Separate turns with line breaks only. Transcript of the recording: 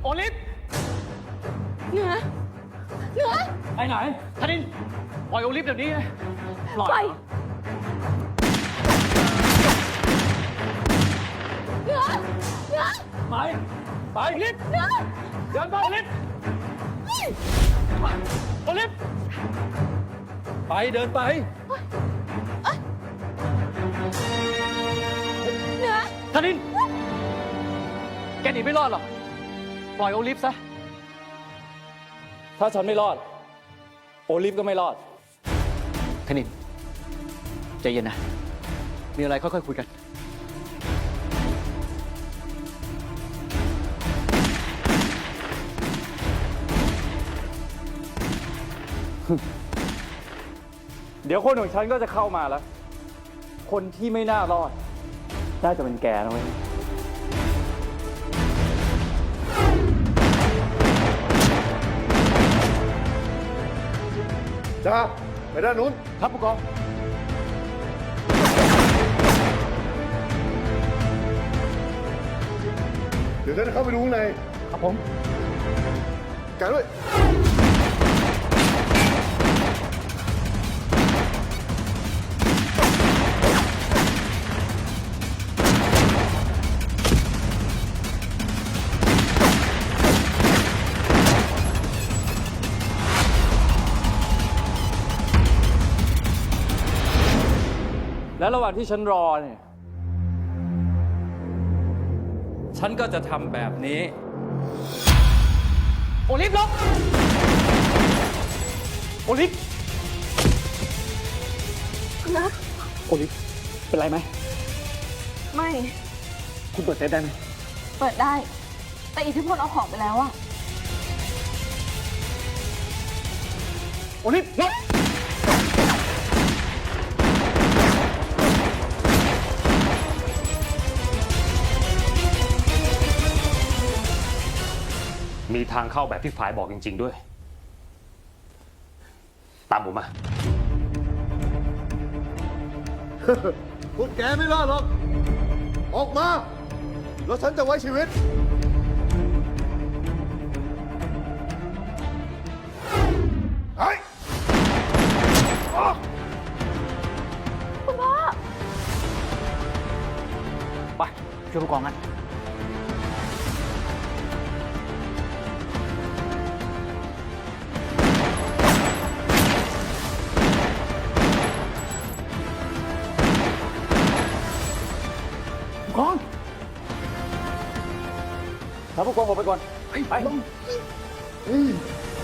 อลิฟ
เหนือ
ไปไหนธนินปล่อยโอลิฟเดี๋ยวนี้ปล่อย
เหนือ
ไปลิฟเดินไปลิฟโอลิฟไปเดินไป
เหนือ
ธนินแกหนีไม่รอดหรอกปล่อยโอลิฟซะถ้าฉันไม่รอดโอลิฟก็ไม่รอดธนินใจเย็นนะมีอะไรค่อยๆคุยกันเดี๋ยวคนของฉันก็จะเข้ามาแล้วคนที่ไม่น่ารอดน่าจะเป็นแกนะเว้ย
จ้าไปด้านนู้น
ครับผู้กอง
เดี๋ยวฉันเข้าไปดูข้างใน
ครับผม
กันด้วย
แล้วระหว่างที่ฉันรอเนี่ย ฉันก็จะทำแบบนี้ โอลิฟลบโอลิฟ
นะ
โอลิฟเป็นไรไหม
ไม่
คุณเปิดเซฟได้ไหม
เปิดได้ แต่อิทธิพลเอาของไปแล้วอะ
โอลิฟลบ
มีทางเข้าแบบที่ฝ่ายบอกจริงๆด้วย ตามผมมา
พวกแกไม่รอดหรอก ออกมา แล้วฉันจะไว้ชีวิตไอ้
คุณพ่อ
ไปช่วยผู้กองกันผู้กองครับผู้กองออกไปก่อนไป